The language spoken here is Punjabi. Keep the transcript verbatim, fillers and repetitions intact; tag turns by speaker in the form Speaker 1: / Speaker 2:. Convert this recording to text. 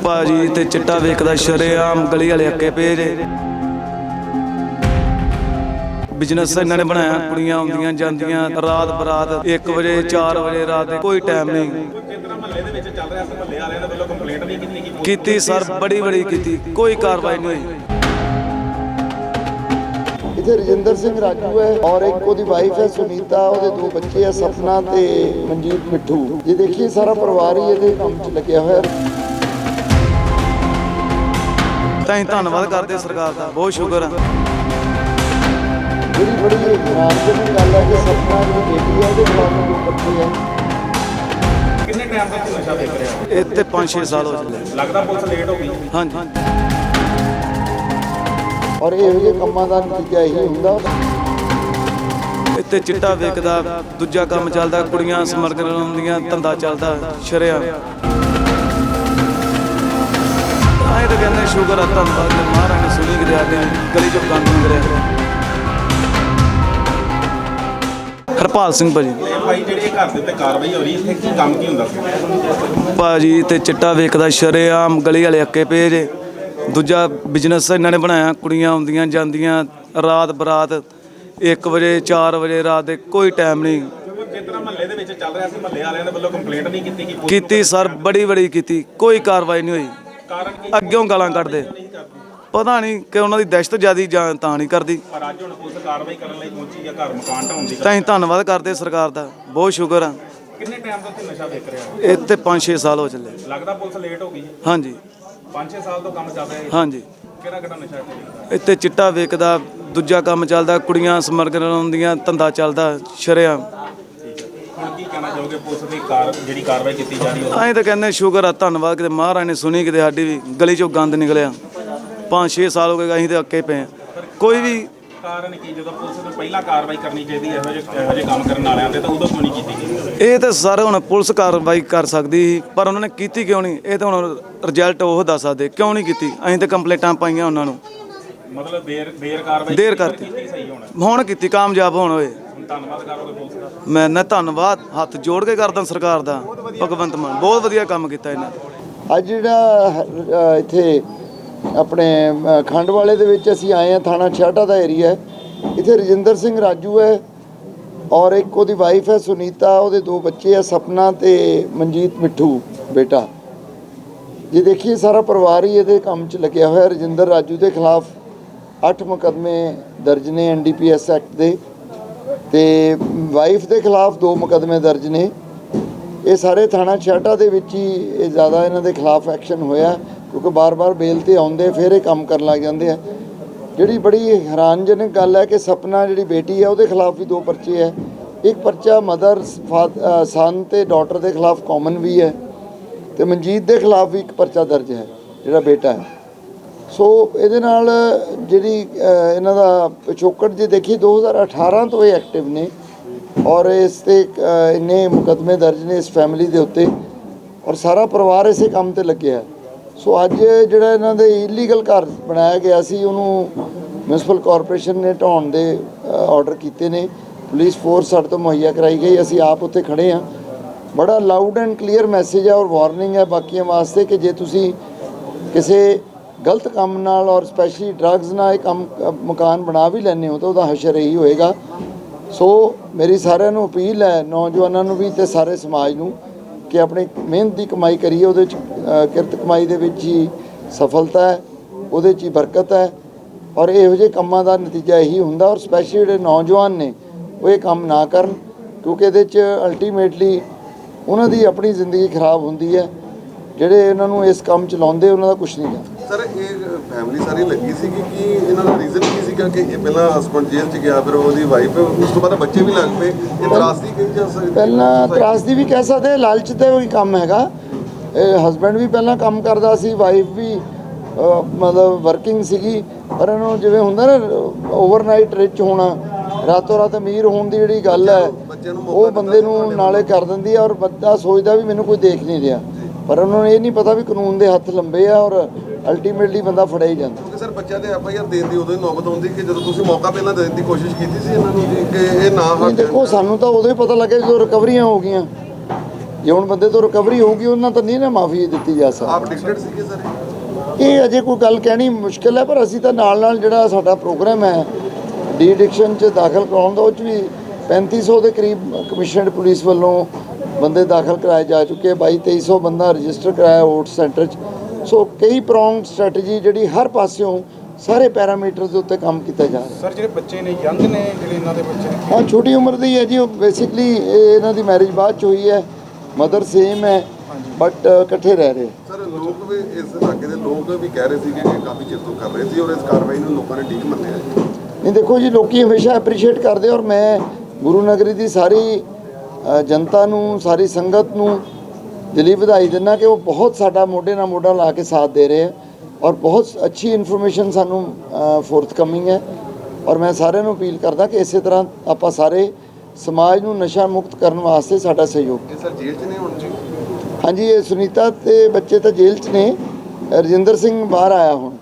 Speaker 1: ਭਾਜੀ ਤੇ ਚਿੱਟਾ ਵੇਚਦਾ ਸ਼ਰੇਆਮ ਗਲੀ ਵਾਲੇ ਅੱਕੇ ਪਏ ਜੇ। ਬਿਜ਼ਨਸ ਇਹਨਾਂ ਨੇ ਬਣਾਇਆ, ਕੁੜੀਆਂ ਆਉਂਦੀਆਂ ਜਾਂਦੀਆਂ ਰਾਤ ਬਰਾਤ ਇੱਕ ਵਜੇ ਚਾਰ ਵਜੇ ਰਾਤ ਦੇ ਕੋਈ ਟਾਈਮ ਨਹੀਂ।
Speaker 2: ਮਹੱਲੇ ਦੇ ਵਿੱਚ ਚੱਲ ਰਿਹਾ ਸੀ, ਮਹੱਲੇ ਵਾਲਿਆਂ ਨੇ ਵੱਲੋਂ ਕੰਪਲੇਂਟ ਨਹੀਂ ਕੀਤੀ ਗਈ?
Speaker 1: ਕੀਤੀ ਸਰ, ਬੜੀ ਬੜੀ ਕੀਤੀ, ਕੋਈ ਕਾਰਵਾਈ ਨਹੀਂ ਹੋਈ।
Speaker 3: इधर रजिंदर सिंह राजू है और एक ओदी वाइफ है सुनीता, ओदे दो बच्चे है सपना ते मनजीत मिठू। ये देखिए सारा परिवार ही ये काम च लग्या होया।
Speaker 1: ਤਾਂ ਹੀ ਧੰਨਵਾਦ ਕਰਦੇ ਸਰਕਾਰ ਦਾ, ਬਹੁਤ ਸ਼ੁਕਰ ਹੈ।
Speaker 3: ਜਿਹੜੀ ਬੜੀ ਹੈਰਾਨਜਨਕ ਗੱਲ ਹੈ ਕਿ ਸਪਨਾ ਦੀ ਬੇਟੀ ਹੈ ਉਹਦੇ ਖਿਲਾਫ ਦੋ ਬੱਚੇ ਹੈ।
Speaker 2: ਕਿੰਨੇ ਟਾਈਮ ਤੱਕ ਨਸ਼ਾ ਵੇਚ ਰਿਹਾ?
Speaker 1: ਇੱਥੇ ਪੰਜ ਛੇ ਸਾਲ ਹੋ ਚੱਲੇ।
Speaker 2: ਲੱਗਦਾ ਪੁਲਿਸ ਲੇਟ ਹੋ ਗਈ?
Speaker 1: ਹਾਂਜੀ।
Speaker 3: ਔਰ ਇਹੋ ਜਿਹੇ ਕੰਮਾਂ ਦਾ ਨਤੀਜਾ ਇਹੀ ਹੁੰਦਾ।
Speaker 1: ਇੱਥੇ ਚਿੱਟਾ ਵੇਚਦਾ, ਦੂਜਾ ਕੰਮ ਚੱਲਦਾ, ਕੁੜੀਆਂ ਸਮਗਲਰ ਹੁੰਦੀਆਂ, ਧੰਦਾ ਚੱਲਦਾ ਸ਼ਰੇਆਮ। ਆਏ ਤਾਂ ਕਹਿੰਦੇ ਸ਼ੁਕਰ ਆ, ਧੰਨਵਾਦ ਮਹਾਰਾਜ ਨੇ ਸੁਣੀ ਕਿ ਸਾਡੇ ਗਲੀ ਚੋਂ ਗੰਦ ਨਿਕਲਿਆ। ਹਰਪਾਲ ਸਿੰਘ ਭਾਜੀ।
Speaker 2: ਭਾਈ ਜਿਹੜੇ ਘਰ ਦੇ ਉੱਤੇ ਕਾਰਵਾਈ ਹੋ ਰਹੀ, ਇੱਥੇ ਕੀ ਕੰਮ ਕੀ ਹੁੰਦਾ ਸੀ?
Speaker 1: ਭਾਜੀ ਤੇ ਚਿੱਟਾ ਵੇਚਦਾ ਸ਼ਰੇਆਮ ਗਲੀ ਵਾਲੇ ਅੱਕੇ ਪਏ ਜੇ। ਦੂਜਾ ਬਿਜ਼ਨਸ ਇਹਨਾਂ ਨੇ ਬਣਾਇਆ, ਕੁੜੀਆਂ ਆਉਂਦੀਆਂ ਜਾਂਦੀਆਂ ਰਾਤ ਬਰਾਤ ਇੱਕ ਵਜੇ ਚਾਰ ਵਜੇ ਰਾਤ ਦੇ ਕੋਈ ਟਾਈਮ ਨਹੀਂ।
Speaker 2: ਜਿਸ ਤਰ੍ਹਾਂ ਮਹੱਲੇ ਦੇ ਵਿੱਚ ਚੱਲ ਰਿਹਾ ਸੀ, ਮਹੱਲੇ ਵਾਲਿਆਂ ਨੇ ਵੱਲੋਂ ਕੰਪਲੇਂਟ ਨਹੀਂ ਕੀਤੀ ਗਈ?
Speaker 1: ਕੀਤੀ ਸਰ, ਬੜੀ ਬੜੀ ਕੀਤੀ, ਕੋਈ ਕਾਰਵਾਈ ਨਹੀਂ ਹੋਈ।
Speaker 2: ਕਾਰਨ ਕੀ?
Speaker 1: ਅੱਗਿਓਂ ਗਾਲਾਂ ਕੱਢਦੇ, ਪਤਾ ਨਹੀਂ ਕਿ ਉਹਨਾਂ ਦੀ ਦਹਿਸ਼ਤ ਜ਼ਿਆਦੀ ਜਾਂ ਤਾਂ ਨਹੀਂ ਕਰਦੀ।
Speaker 2: ਪਰ ਅੱਜ ਹੁਣ ਪੁਲਿਸ ਕਾਰਵਾਈ ਕਰਨ ਲਈ ਪਹੁੰਚੀ ਹੈ, ਘਰ ਮਕਾਨ ਢਾਉਣ ਦੀ।
Speaker 1: ਤਾਂ ਹੀ ਧੰਨਵਾਦ ਕਰਦੇ ਸਰਕਾਰ ਦਾ, ਬਹੁਤ ਸ਼ੁਕਰ ਆ।
Speaker 2: ਕਿੰਨੇ ਟਾਈਮ ਤੋਂ ਇੱਥੇ ਨਸ਼ਾ ਵੇਚ ਰਿਹਾ?
Speaker 1: ਇੱਥੇ ਪੰਜ ਛੇ ਸਾਲ ਹੋ ਚੱਲੇ।
Speaker 2: ਲੱਗਦਾ ਪੁਲਿਸ ਲੇਟ ਹੋ ਗਈ?
Speaker 1: ਹਾਂਜੀ।
Speaker 2: ਪੰਜ ਛੇ ਸਾਲ ਤੋਂ ਕੰਮ ਚੱਲ ਰਿਹਾ ਹੈ?
Speaker 1: ਹਾਂਜੀ।
Speaker 2: ਕਿਹੜਾ ਕਿਹੜਾ ਨਸ਼ਾ ਇੱਥੇ?
Speaker 1: ਇੱਥੇ ਚਿੱਟਾ ਵੇਚਦਾ, ਦੂਜਾ ਕੰਮ ਚੱਲਦਾ, ਕੁੜੀਆਂ ਸਮਗਲਰ ਹੁੰਦੀਆਂ, ਧੰਦਾ ਚੱਲਦਾ ਸ਼ਰੇਆਮ।
Speaker 2: ਹੁਣ ਕੀ ਕਹਿਣਾ ਚਾਹੋਗੇ ਪੁਲਿਸ ਦੀ ਕਾਰ ਜਿਹੜੀ ਕਾਰਵਾਈ ਕੀਤੀ ਜਾ ਰਹੀ ਹੈ?
Speaker 1: ਅਸੀਂ ਤਾਂ ਕਹਿੰਦੇ ਸ਼ੁਕਰ ਆ, ਧੰਨਵਾਦ ਕਿਤੇ ਮਹਾਰਾਜ ਨੇ ਸੁਣੀ, ਕਿਤੇ ਸਾਡੀ ਵੀ ਗਲੀ ਚੋਂ ਗੰਦ ਨਿਕਲਿਆ। ਪੰਜ ਛੇ ਸਾਲ ਹੋ ਗਏ ਅਸੀਂ ਤਾਂ ਅੱਕੇ ਪਏ ਹਾਂ। ਕੋਈ ਵੀ
Speaker 2: ਕਾਰਨ ਕੀ, ਜਦੋਂ ਪੁਲਿਸ ਨੂੰ ਪਹਿਲਾਂ ਕਾਰਵਾਈ ਕਰਨੀ ਚਾਹੀਦੀ ਹੈ ਇਹੋ ਜਿਹੇ ਇਹੋ ਜਿਹੇ ਕੰਮ ਕਰਨ ਵਾਲਿਆਂ ਤੇ, ਤਾਂ ਉਦੋਂ ਕਿਉਂ ਨਹੀਂ ਕੀਤੀ ਗਈ?
Speaker 1: ਇਹ ਤਾਂ ਸਰ ਹੁਣ ਪੁਲਿਸ ਕਾਰਵਾਈ ਕਰ ਸਕਦੀ ਸੀ, ਪਰ ਉਹਨਾਂ ਨੇ ਕੀਤੀ ਕਿਉਂ ਨਹੀਂ? ਇਹ ਤਾਂ ਹੁਣ ਰਿਜ਼ਲਟ ਉਹ ਦੱਸ ਸਕਦੇ ਕਿਉਂ ਨਹੀਂ ਕੀਤੀ। ਅਸੀਂ ਤਾਂ ਕੰਪਲੇਂਟਾਂ ਪਾਈਆਂ ਉਹਨਾਂ ਨੂੰ,
Speaker 2: ਮਤਲਬ ਦੇਰ ਦੇਰ ਕਾਰਵਾਈ
Speaker 1: ਦੇਰ ਕਰਤੀ।
Speaker 2: ਸਹੀ ਹੋਣਾ
Speaker 1: ਹੁਣ ਕੀਤੀ, ਕਾਮਯਾਬ ਹੋਣ ਹੋਏ।
Speaker 2: ਧੰਨਵਾਦ ਕਰੋਗੇ ਪੁਲਿਸ ਦਾ?
Speaker 1: ਮੈਂ ਨਾ ਧੰਨਵਾਦ ਹੱਥ ਜੋੜ ਕੇ ਕਰਦਾ ਸਰਕਾਰ ਦਾ। ਭਗਵੰਤ ਮਾਨ ਬਹੁਤ ਵਧੀਆ ਕੰਮ ਕੀਤਾ ਇਹਨਾਂ ਨੇ।
Speaker 3: ਅੱਜ ਜਿਹੜਾ ਅ, ਇੱਥੇ ਆਪਣੇ ਅ, ਖੰਡ ਵਾਲੇ ਦੇ ਵਿੱਚ ਅਸੀਂ ਆਏ ਹਾਂ, ਥਾਣਾ ਛਾਟਾ ਦਾ ਏਰੀਆ ਹੈ। ਇੱਥੇ ਰਜਿੰਦਰ ਸਿੰਘ ਰਾਜੂ ਹੈ ਔਰ ਇੱਕ ਉਹਦੀ ਵਾਈਫ ਹੈ ਸੁਨੀਤਾ, ਉਹਦੇ ਦੋ ਬੱਚੇ ਹੈ ਸਪਨਾ ਤੇ ਮਨਜੀਤ ਮਿੱਠੂ ਬੇਟਾ। ਜੇ ਦੇਖੀਏ ਸਾਰਾ ਪਰਿਵਾਰ ਹੀ ਇਹਦੇ ਕੰਮ 'ਚ ਲੱਗਿਆ ਹੋਇਆ। ਰਜਿੰਦਰ ਰਾਜੂ ਦੇ ਖਿਲਾਫ ਅੱਠ ਮੁਕੱਦਮੇ ਦਰਜ ਨੇ N D P S act ਦੇ, ਤੇ ਵਾਈਫ ਦੇ ਖਿਲਾਫ ਦੋ ਮੁਕੱਦਮੇ ਦਰਜ ਨੇ। ਇਹ ਸਾਰੇ ਥਾਣਾ ਛਾਟਾ ਦੇ ਵਿੱਚ ਹੀ ਇਹ ਜ਼ਿਆਦਾ ਇਹਨਾਂ ਦੇ ਖਿਲਾਫ ਐਕਸ਼ਨ ਹੋਇਆ, ਕਿਉਂਕਿ ਬਾਰ-ਬਾਰ ਬੇਲ ਤੇ ਆਉਂਦੇ ਫਿਰ ਇਹ ਕੰਮ ਕਰਨ ਲੱਗ ਜਾਂਦੇ ਆ। ਜਿਹੜੀ ਬੜੀ ਹੈਰਾਨਜਨਕ ਗੱਲ ਹੈ ਕਿ ਸਪਨਾ ਜਿਹੜੀ ਬੇਟੀ ਹੈ ਉਹਦੇ ਖਿਲਾਫ ਵੀ ਦੋ ਪਰਚੇ ਹੈ। ਇੱਕ ਪਰਚਾ ਮਦਰ ਸਨ ਤੇ ਡਾਟਰ ਦੇ ਖਿਲਾਫ ਕਾਮਨ ਵੀ ਹੈ, ਤੇ ਮਨਜੀਤ ਦੇ ਖਿਲਾਫ ਵੀ ਇੱਕ ਪਰਚਾ ਦਰਜ ਹੈ ਜਿਹੜਾ ਬੇਟਾ ਹੈ। ਸੋ ਇਹਦੇ ਨਾਲ ਜਿਹੜੀ ਇਹਨਾਂ ਦਾ ਪਿਛੋਕੜ ਜੇ ਦੇਖੀ ਦੋ ਹਜ਼ਾਰ ਅਠਾਰਾਂ ਤੋਂ ਇਹ ਐਕਟਿਵ ਨੇ ਔਰ ਇਸ 'ਤੇ ਇੰਨੇ ਮੁਕੱਦਮੇ ਦਰਜ ਨੇ ਇਸ ਫੈਮਿਲੀ ਦੇ ਉੱਤੇ, ਔਰ ਸਾਰਾ ਪਰਿਵਾਰ ਇਸੇ ਕੰਮ 'ਤੇ ਲੱਗਿਆ। ਸੋ ਅੱਜ ਜਿਹੜਾ ਇਹਨਾਂ ਦੇ ਇਲੀਗਲ ਘਰ ਬਣਾਇਆ ਗਿਆ ਸੀ ਉਹਨੂੰ ਮਿਊਨਿਸਪਲ ਕਾਰਪੋਰੇਸ਼ਨ ਨੇ ਢਾਉਣ ਦੇ ਆਰਡਰ ਕੀਤੇ ਨੇ। ਪੁਲਿਸ ਫੋਰਸ ਸਾਡੇ ਤੋਂ ਮੁਹੱਈਆ ਕਰਾਈ ਗਈ, ਅਸੀਂ ਆਪ ਉੱਥੇ ਖੜ੍ਹੇ ਹਾਂ। ਬੜਾ ਲਾਊਡ ਐਂਡ ਕਲੀਅਰ ਮੈਸੇਜ ਹੈ ਔਰ ਵਾਰਨਿੰਗ ਹੈ ਬਾਕੀਆਂ ਵਾਸਤੇ ਕਿ ਜੇ ਤੁਸੀਂ ਕਿਸੇ ਗਲਤ ਕੰਮ ਨਾਲ ਔਰ ਸਪੈਸ਼ਲੀ ਡਰੱਗਸ ਨਾਲ ਇਹ ਕੰਮ ਮਕਾਨ ਬਣਾ ਵੀ ਲੈਂਦੇ ਹੋ ਤਾਂ ਉਹਦਾ ਹਸ਼ਰ ਇਹੀ ਹੋਏਗਾ। ਸੋ ਮੇਰੀ ਸਾਰਿਆਂ ਨੂੰ ਅਪੀਲ ਹੈ, ਨੌਜਵਾਨਾਂ ਨੂੰ ਵੀ ਅਤੇ ਸਾਰੇ ਸਮਾਜ ਨੂੰ, ਕਿ ਆਪਣੀ ਮਿਹਨਤ ਦੀ ਕਮਾਈ ਕਰੀਏ। ਉਹਦੇ 'ਚ ਕਿਰਤ ਕਮਾਈ ਦੇ ਵਿੱਚ ਹੀ ਸਫਲਤਾ ਹੈ, ਉਹਦੇ 'ਚ ਹੀ ਬਰਕਤ ਹੈ, ਔਰ ਇਹੋ ਜਿਹੇ ਕੰਮਾਂ ਦਾ ਨਤੀਜਾ ਇਹੀ ਹੁੰਦਾ। ਔਰ ਸਪੈਸ਼ਲੀ ਜਿਹੜੇ ਨੌਜਵਾਨ ਨੇ ਉਹ ਇਹ ਕੰਮ ਨਾ ਕਰਨ, ਕਿਉਂਕਿ ਇਹਦੇ 'ਚ ਅਲਟੀਮੇਟਲੀ ਉਹਨਾਂ ਦੀ ਆਪਣੀ ਜ਼ਿੰਦਗੀ ਖਰਾਬ ਹੁੰਦੀ ਹੈ। ਜਿਹੜੇ ਇਹਨਾਂ ਨੂੰ ਇਸ ਕੰਮ 'ਚ ਲਾਉਂਦੇ ਉਹਨਾਂ ਦਾ ਕੁਛ ਨਹੀਂ ਜਾਂਦਾ।
Speaker 4: ਸਰ ਇਹ ਫੈਮਿਲੀ ਸਾਰੀ ਲੱਗੀ ਸੀ ਕਿ ਕੀ ਇਹਨਾਂ ਦਾ ਰੀਜ਼ਨ ਕੀ ਸੀਗਾ ਕਿ ਇਹ ਪਹਿਲਾਂ ਹਸਬੰਡ ਜੇਲ੍ਹ 'ਚ ਗਿਆ, ਫਿਰ ਉਹਦੀ ਵਾਈਫ, ਉਸ ਤੋਂ ਬਾਅਦ ਬੱਚੇ ਵੀ ਲੱਗ ਪਏ? ਇਹ ਤਰਾਸਦੀ ਕਹੀ ਜਾ ਸਕਦੀ? ਪਹਿਲਾਂ
Speaker 3: ਤਰਾਸਦੀ ਵੀ ਕਹਿ ਸਕਦੇ, ਲਾਲਚ ਤੇ ਵੀ ਕੰਮ ਹੈਗਾ। ਇਹ ਹਸਬੈਂਡ ਵੀ ਪਹਿਲਾਂ ਕੰਮ ਕਰਦਾ ਸੀ, ਵਾਈਫ ਵੀ ਮਤਲਬ ਵਰਕਿੰਗ ਸੀਗੀ, ਪਰ ਇਹਨੂੰ ਜਿਵੇਂ ਹੁੰਦਾ ਨਾ ਓਵਰਨਾਈਟ ਰਿਚ ਹੋਣਾ, ਰਾਤੋਂ ਰਾਤ ਅਮੀਰ ਹੋਣ ਦੀ ਜਿਹੜੀ ਗੱਲ ਹੈ ਉਹ ਬੰਦੇ ਨੂੰ ਨਾਲੇ ਕਰ ਦਿੰਦੀ ਹੈ। ਔਰ ਬੰਦਾ ਸੋਚਦਾ ਵੀ ਮੈਨੂੰ ਕੋਈ ਦੇਖ ਨਹੀਂ ਰਿਹਾ, ਪਰ ਉਹਨਾਂ ਨੂੰ ਇਹ ਨਹੀਂ ਪਤਾ ਵੀ ਕਾਨੂੰਨ ਦੇ ਹੱਥ ਲੰਬੇ ਆ ਔਰ ਅਲਟੀਮੇਟਲੀ ਬੰਦਾ ਫੜਿਆ ਹੀ ਜਾਂਦਾ।
Speaker 4: ਸਰ ਬੱਚਿਆਂ ਦੇ ਐਫ ਆਈ ਆਰ ਦੇਣ ਦੀ ਉਦੋਂ ਹੀ ਨੌਬਤ ਆਉਂਦੀ ਕਿ ਜਦੋਂ ਤੁਸੀਂ ਮੌਕਾ ਪਹਿਲਾਂ ਦੇਣ ਦੀ ਕੋਸ਼ਿਸ਼ ਕੀਤੀ ਸੀ ਇਹਨਾਂ ਨੂੰ ਕਿ ਇਹ ਨਾ ਹਟ।
Speaker 3: ਦੇਖੋ ਸਾਨੂੰ ਤਾਂ ਉਦੋਂ ਹੀ ਪਤਾ ਲੱਗਿਆ ਜਦੋਂ ਰਿਕਵਰੀਆਂ ਹੋ ਗਈਆਂ। ਜੇ ਹੁਣ ਬੰਦੇ ਤੋਂ ਰਿਕਵਰੀ ਹੋਊਗੀ ਉਹਨਾਂ ਤਾਂ ਨਹੀਂ ਨਾ ਮਾਫੀ ਦਿੱਤੀ ਜਾ ਸਕਦੀ।
Speaker 4: ਆਪ ਡਿਕਟੇਟ ਸੀਗੇ ਸਰ?
Speaker 3: ਇਹ ਅਜੇ ਕੋਈ ਗੱਲ ਕਹਿਣੀ ਮੁਸ਼ਕਿਲ ਹੈ, ਪਰ ਅਸੀਂ ਤਾਂ ਨਾਲ ਨਾਲ ਜਿਹੜਾ ਸਾਡਾ ਪ੍ਰੋਗਰਾਮ ਹੈ ਡੀ ਐਡਿਕਸ਼ਨ 'ਚ ਦਾਖਲ ਕਰਾਉਣ ਦਾ, ਉਹ 'ਚ ਵੀ ਪੈਂਤੀ ਸੌ ਦੇ ਕਰੀਬ ਕਮਿਸ਼ਨਡ ਪੁਲਿਸ ਵੱਲੋਂ ਬੰਦੇ ਦਾਖਲ ਕਰਾਏ ਜਾ ਚੁੱਕੇ, ਬਾਈ ਤੇਈ ਸੌ ਬੰਦਾ ਰਜਿਸਟਰ ਕਰਾਇਆ ਓਟ ਸੈਂਟਰ 'ਚ। ਸੋ ਕਈ ਪ੍ਰੋਂਗ ਸਟ੍ਰੈਟਜੀ ਜਿਹੜੀ ਹਰ ਪਾਸਿਓਂ ਸਾਰੇ ਪੈਰਾਮੀਟਰ ਦੇ ਉੱਤੇ ਕੰਮ ਕੀਤਾ ਜਾ ਰਿਹਾ।
Speaker 5: ਸਰ ਜਿਹੜੇ ਬੱਚੇ ਨੇ ਯੰਗ ਨੇ ਜਿਹੜੇ ਇਹਨਾਂ ਦੇ ਬੱਚੇ ਨੇ?
Speaker 3: ਹਾਂ, ਛੋਟੀ ਉਮਰ ਦੇ ਹੀ ਹੈ ਜੀ। ਉਹ ਬੇਸਿਕਲੀ ਇਹਨਾਂ ਦੀ ਮੈਰਿਜ ਬਾਅਦ 'ਚ ਹੋਈ ਹੈ, ਮਦਰ ਸੇਮ ਹੈ, ਬਟ ਇਕੱਠੇ ਰਹਿ ਰਹੇ।
Speaker 4: ਸਰ ਲੋਕ ਵੀ ਇਸ ਇਲਾਕੇ ਦੇ ਲੋਕ ਵੀ ਕਹਿ ਰਹੇ ਸੀਗੇ ਕਿ ਕਾਫੀ ਚਿਰ ਤੋਂ ਕਰ ਰਹੇ ਸੀ ਔਰ ਇਸ ਕਾਰਵਾਈ ਨੂੰ ਲੋਕਾਂ ਨੇ ਠੀਕ ਮੰਨਿਆ ਜੀ।
Speaker 3: ਨਹੀਂ ਦੇਖੋ ਜੀ, ਲੋਕੀ ਹਮੇਸ਼ਾ ਐਪਰੀਸ਼ੀਏਟ ਕਰਦੇ, ਔਰ ਮੈਂ ਗੁਰੂ ਨਗਰੀ ਦੀ ਸਾਰੀ ਅ, ਜਨਤਾ ਨੂੰ, ਸਾਰੀ ਸੰਗਤ ਨੂੰ ਦਿਲੀ ਵਧਾਈ ਦਿੰਦਾ ਕਿ ਉਹ ਬਹੁਤ ਸਾਡਾ ਮੋਢੇ ਨਾਲ ਮੋਢਾ ਲਾ ਕੇ ਸਾਥ ਦੇ ਰਹੇ ਹੈ, ਔਰ ਬਹੁਤ ਅੱਛੀ ਇਨਫੋਰਮੇਸ਼ਨ ਸਾਨੂੰ ਫੋਰਥ ਕਮਿੰਗ ਹੈ। ਔਰ ਮੈਂ ਸਾਰਿਆਂ ਨੂੰ ਅਪੀਲ ਕਰਦਾ ਕਿ ਇਸੇ ਤਰ੍ਹਾਂ ਆਪਾਂ ਸਾਰੇ ਸਮਾਜ ਨੂੰ ਨਸ਼ਾ ਮੁਕਤ ਕਰਨ ਵਾਸਤੇ ਸਾਡਾ ਸਹਿਯੋਗ।
Speaker 4: ਇਹ ਸਰ ਜੇਲ੍ਹ 'ਚ ਨੇ ਹੁਣ ਜੀ?
Speaker 3: ਹਾਂਜੀ, ਇਹ ਸੁਨੀਤਾ ਤੇ ਬੱਚੇ ਤਾਂ ਜੇਲ੍ਹ 'ਚ ਨੇ, ਰਜਿੰਦਰ ਸਿੰਘ ਬਾਹਰ ਆਇਆ ਹੁਣ।